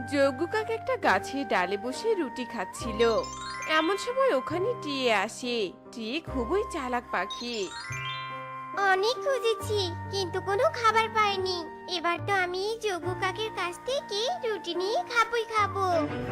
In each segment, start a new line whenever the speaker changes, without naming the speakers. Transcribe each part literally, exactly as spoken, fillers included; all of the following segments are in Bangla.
যজ্ঞ কাক একটা গাছের ডালে বসে রুটি খাচ্ছিল। এমন সময় ওখানে টিয়ে আসে। টিয়ে খুবই চালাক পাখি।
অনেক খুঁজেছি কিন্তু কোনো খাবার পাইনি। এবার তো আমি এই যোগ্য কাকের কাছ থেকে রুটি নিয়ে খাবই খাবো।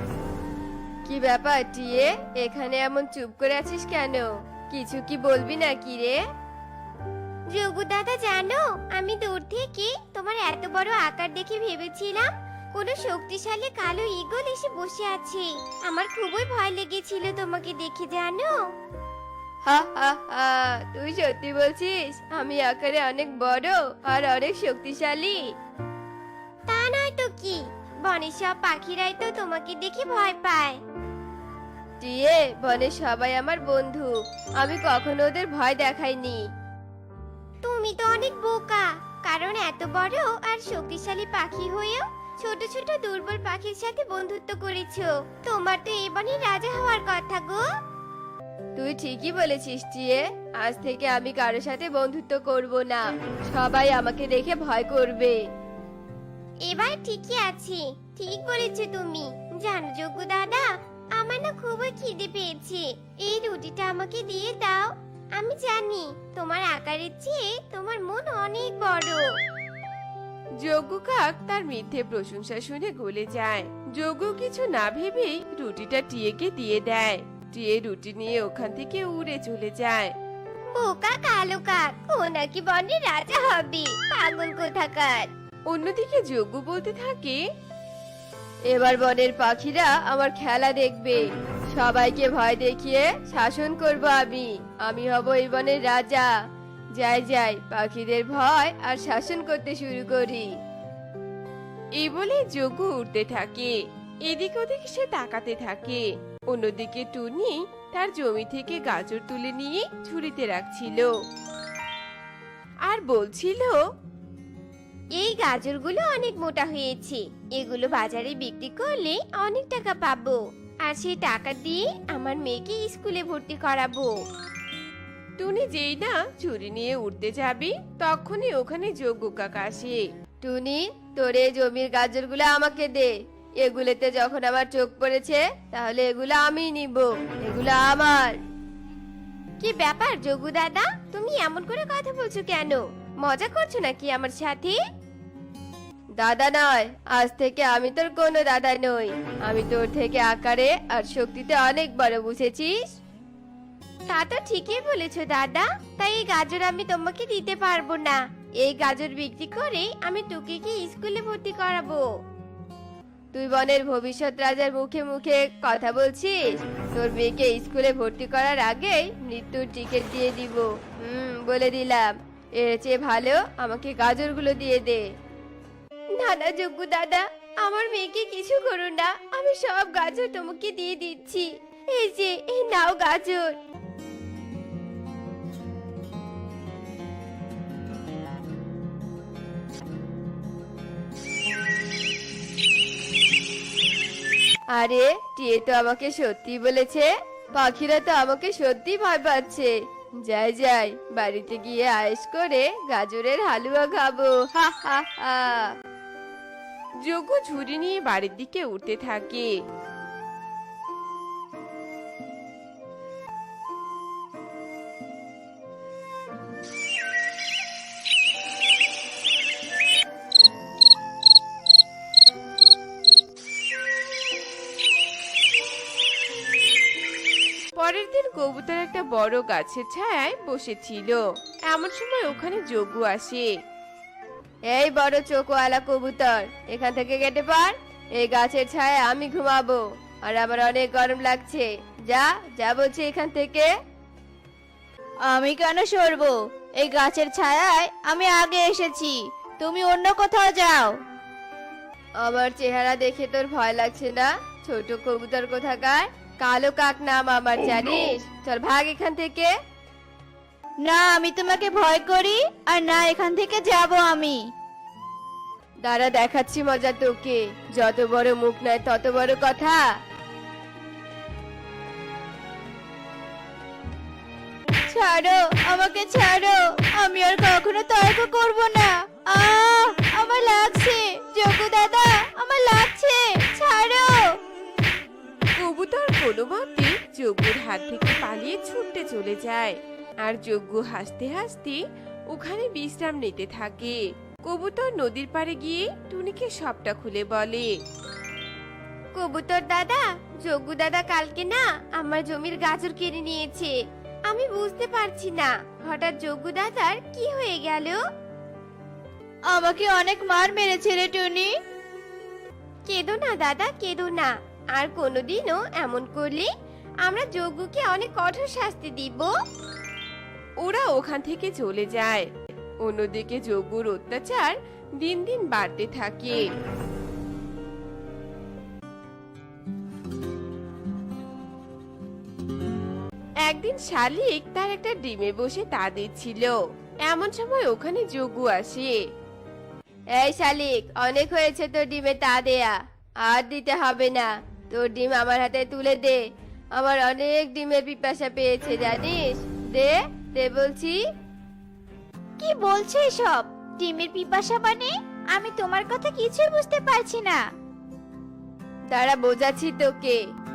কি ব্যাপার টিয়ে, এখানে এমন চুপ করে আছিস কেন? কিছু কি বলবি না কি রে?
যোগ্য দাদা, জানো আমি দূর থেকে তোমার এত বড় আকার দেখে ভেবেছিলাম কোনো শক্তিশালী কালো ঈগল এসে বসে আছে। আমার খুবই ভয় লেগেছিল তোমাকে দেখে, জানো।
হা হা হা, তুই সত্যি বলছিস আমি আকারে অনেক বড় আর অনেক শক্তিশালী?
তা নয় তো কি, বনের সব পাখিরাই তো তোমাকে দেখে ভয় পায়।
টিয়ে, বনে সবাই আমার বন্ধু, আমি কখনো ওদের ভয় দেখাইনি।
তুমি তো অনেক বোকা, কারণ এত বড় আর শক্তিশালী পাখি হয়েও ছোট ছোট দুর্বল পাখির সাথে বন্ধুত্ব করেছো। তোমার তো এই বনের রাজা হওয়ার কথা গো।
তুই ঠিকই বলেছিস টিয়ে, আজ থেকে আমি কারোর সাথে বন্ধুত্ব করব না। সবাই আমাকে দেখে ভয় করবে।
এবার ঠিকই আছে, ঠিক বলেছো তুমি। জানো যোগ্য দাদা, আমার না খুবই খিদে পেয়েছে। এই রুটিটা আমাকে দিয়ে দাও। আমি জানি তোমার আকারের চেয়ে তোমার মন অনেক বড়।
যজ্ঞ কাক তার মিথ্যে প্রশংসা শুনে গলে যায়। যজ্ঞ কিছু না ভেবেই রুটিটা টিয়েকে দিয়ে দেয়। টিয়ে রুটি নিয়ে ওখান থেকে উড়ে চলে যায়।
বোকা কালো কাক, ও নাকি বনের রাজা হবে, পাগল কোথাকার।
অন্যদিকে যজ্ঞ বলতে থাকে,
এবার বনের পাখিরা আমার খেলা দেখবে। সবাইকে ভয় দেখিয়ে শাসন করব আমি। আমি হব এই বনের রাজা। যাই যাই, পাখিদের ভয় আর শাসন করতে শুরু করি।
এই বলে যজ্ঞ উঠতে থাকে। এদিক ওদিক সে তাকাতে থাকে। অন্যদিকে টুনি তার জমি থেকে গাজর তুলে নিয়ে ঝুড়িতে রাখছিল আর বলছিল,
এই গাজরগুলো অনেক মোটা হয়েছে, এগুলো বাজারে বিক্রি করলে অনেক টাকা পাবো। আর সেই টাকা দিয়ে আমার মেয়েকে স্কুলে ভর্তি করাবো।
টুনি যেই না ঝুড়ি নিয়ে উঠতে যাবে, তখনই ওখানে যজ্ঞ কাক আসে।
টুনি, তোর এই জমির গাজরগুলো আমাকে দে। এগুলোতে যখন আমার চোখ পড়েছে, তাহলে এগুলো আমি নিব। এগুলো আমার।
কি ব্যাপার যোগু দাদা, তুমি এমন করে কথা বলছো কেন? মজা করছো নাকি আমার সাথে?
দাদা নয়, আজ থেকে আমি তোর কোনো দাদা নই। আমি তোর থেকে আকারে আর শক্তিতে অনেক বড়, বুঝেছিস?
তা তো ঠিকই বলেছো দাদা, তাই এই গাজর আমি তোমাকে দিতে পারবো না। এই গাজর বিক্রি করে আমি টুকিকে স্কুলে ভর্তি করাবো।
তুই বনের ভবিষ্যৎ রাজার মুখে মুখে কথা বলছিস? তোর মেয়েকে স্কুলে ভর্তি করার আগেই মৃত্যুর টিকিট দিয়ে দিব। হুম, বলে দিলাম। এর চেয়ে ভালো আমাকে গাজরগুলো দিয়ে দে।
না না যোগ্য দাদা, আমার মেয়েকে কিছু করো না। আমি সব গাজর তোমাকে দিয়ে দিচ্ছি। এই যে, এই নাও গাজর।
আরে, টিয়ে তো আমাকে সত্যি বলেছে। পাখিরা তো আমাকে সত্যি ভয় পাচ্ছে। যাই যাই, বাড়িতে গিয়ে আয়েশ করে গাজরের হালুয়া খাবো। হা হা হা।
যজ্ঞ ঝুড়ি নিয়ে বাড়ির দিকে উঠতে থাকে। পরের দিন কবুতর একটা বড় গাছের ছায়ায় বসেছিল। এমন সময় ওখানে যজ্ঞ আসে।
এই বড় চোখওয়ালা কবুতর, এখান থেকে কেটে পার। এই গাছের ছায়ায় আমি ঘুমাবো, আর আমার অনেক গরম লাগছে। যা যা বলছি এখান থেকে।
আমি কেন সরবো? এই গাছের ছায়ায় আমি আগে এসেছি, তুমি অন্য কোথাও যাও।
আমার চেহারা দেখে তোর ভয় লাগছে না? ছোট কবুতর কোথাকার, কালো কাক নাম আমার, জানিস? চল ভাগ এখান থেকে।
না, আমি তোমাকে ভয় করি, আর না এখান থেকে যাব আমি।
দাঁড়া, দেখাচ্ছি মজা তোকে। যত বড় মুখ নয় তত বড় কথা।
ছাড়ো, আমাকে ছাড়ো, আমি আর কখনো তর্ক করব না। আহ, আমার লাগছে যোগু দাদা, আমার লাগছে। ছাড়ো।
কোনো মতে যজ্ঞুর হাত থেকে পালিয়ে ছুটতে চলে যায়। আর যজ্ঞ হাসতে হাসতে ওখানে বিশ্রাম নিতে থাকে। কবুতর নদীর পাড়ে গিয়ে টুনিকে সবটা খুলে বলে।
কবুতর দাদা, যজ্ঞ দাদা কালকে না আমার জমির গাজর কেড়ে নিয়েছে। আমি বুঝতে পারছি না হঠাৎ যজ্ঞ দাদার কি হয়ে গেল।
আমাকে অনেক মার মেরেছে রে টুনি।
কেঁদো না দাদা, কেঁদো না। আর কোনোদিনও এমন করলে আমরা যজ্ঞকে অনেক কঠোর শাস্তি দিব।
ওরা ওখান থেকে চলে যায়। অন্যদিকে যজ্ঞুর অত্যাচার দিন দিন বাড়তে থাকে। একদিন শালিক তার একটা ডিমে বসে তা দিচ্ছিল। এমন সময় ওখানে যজ্ঞ আসে।
এই শালিক, অনেক হয়েছে তোর ডিমে তা দেয়া, আর দিতে হবে না। তোর ডিম আমার হাতে তুলে দে, আমার অনেক ডিমের পিপাসা পেয়েছে জানিস। দে দে বলছি।
কি বলছো এসব? ডিমের পিপাসা মানে? আমি তোমার কথা কিছুই বুঝতে পারছি না।
তারা বোঝাচ্ছি তোকে।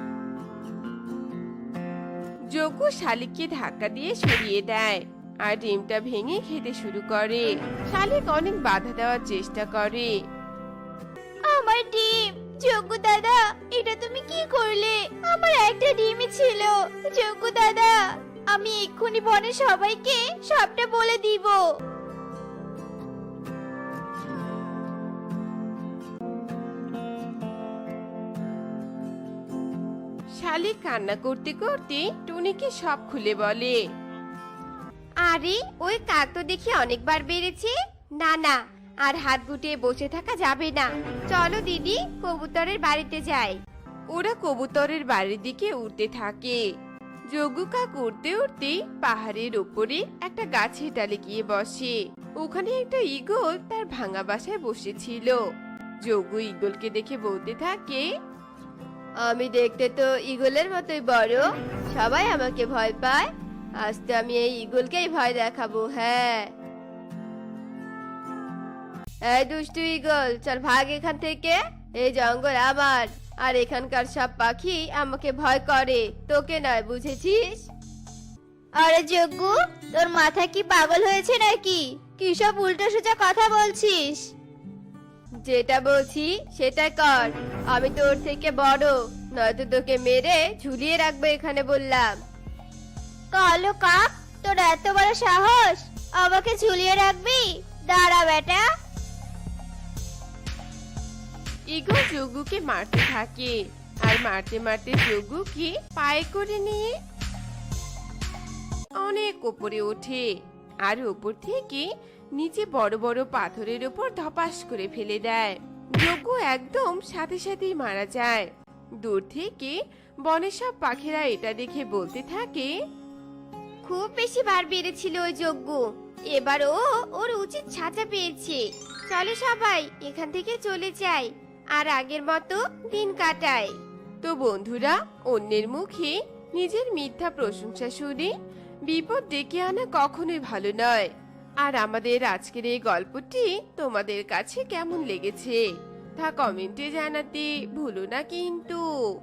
যজ্ঞ শালিককে ধাক্কা দিয়ে সরিয়ে দেয় আর ডিমটা ভেঙে খেতে শুরু করে। শালিক অনেক বাধা দেওয়ার চেষ্টা করে।
আমার ডিম! যজ্ঞ দাদা, এটা তুমি কি করলে? আমার একটা ডিমই ছিল। যজ্ঞ দাদা, আমি এক্ষুনি বনের সবাইকে সবটা বলে দিব।
শালিক কান্না করতে করতে টুনিকে সব খুলে বলে।
আরে ওই কাক তো দেখি অনেকবার বেড়েছে। না না, আর হাত গুটিয়ে বসে থাকা যাবে না। চলো দিদি, কবুতরের বাড়িতে যাই।
ওরা কবুতরের বাড়ির দিকে উঠতে থাকে। যজ্ঞ কাক উড়তে উড়তে পাহাড়ের ওপরে একটা গাছের ডালে গিয়ে বসে। ওখানে একটা ঈগল তার ভাঙা বাসায় বসেছিল। যজ্ঞ ঈগলকে দেখে বলতে থাকে,
আমি দেখতে তো ঈগলের মতোই বড়, সবাই আমাকে ভয় পায়। আজ তো আমি এই ঈগলকেই ভয় দেখাবো। হ্যাঁ, এই দুষ্টু ঈগল, চল ভাগ এখান থেকে। এই জঙ্গল আমার, আর এখানকার সব পাখি আমাকে ভয় করে, তোকে নয়, বুঝেছিস?
আরে যজ্ঞ, তোর মাথা কি পাগল হয়েছে নাকি? কি সব উল্টো সোজা কথা বলছিস?
যেটা বলছি সেটা কর। আমি তোর থেকে বড়, নয়তো তোকে মেরে ঝুলিয়ে রাখবো এখানে বললাম।
কালো কাক, তোর এত বড় সাহস! আমাকে ঝুলিয়ে রাখবি? দাঁড়া বেটা।
ঈগল যজ্ঞকে মারতে থাকে আর মারতে মারতে যজ্ঞকে পায়ে করে নিয়ে অনেক উপরে ওঠে আর উপর থেকে নিচে বড় বড় পাথরের উপর ধপাস করে ফেলে দেয়। যজ্ঞ একদম সাথে সাথেই মারা যায়। দূর থেকে বনের সব পাখিরা এটা দেখে বলতে থাকে,
খুব বেশি বার বেড়েছিল ওই যজ্ঞ। এবার ও ওর উচিত সাজা পেয়েছে। চলো সবাই এখান থেকে চলে যাই, আর আগের মতো দিন কাটাই।
তো বন্ধুরা, অন্যের মুখে নিজের মিথ্যা প্রশংসা শুনে বিপদ ডেকে আনা কখনোই ভালো নয়। আর আমাদের আজকের এই গল্পটি তোমাদের কাছে কেমন লেগেছে তা কমেন্টে জানাতে ভুলো না কিন্তু।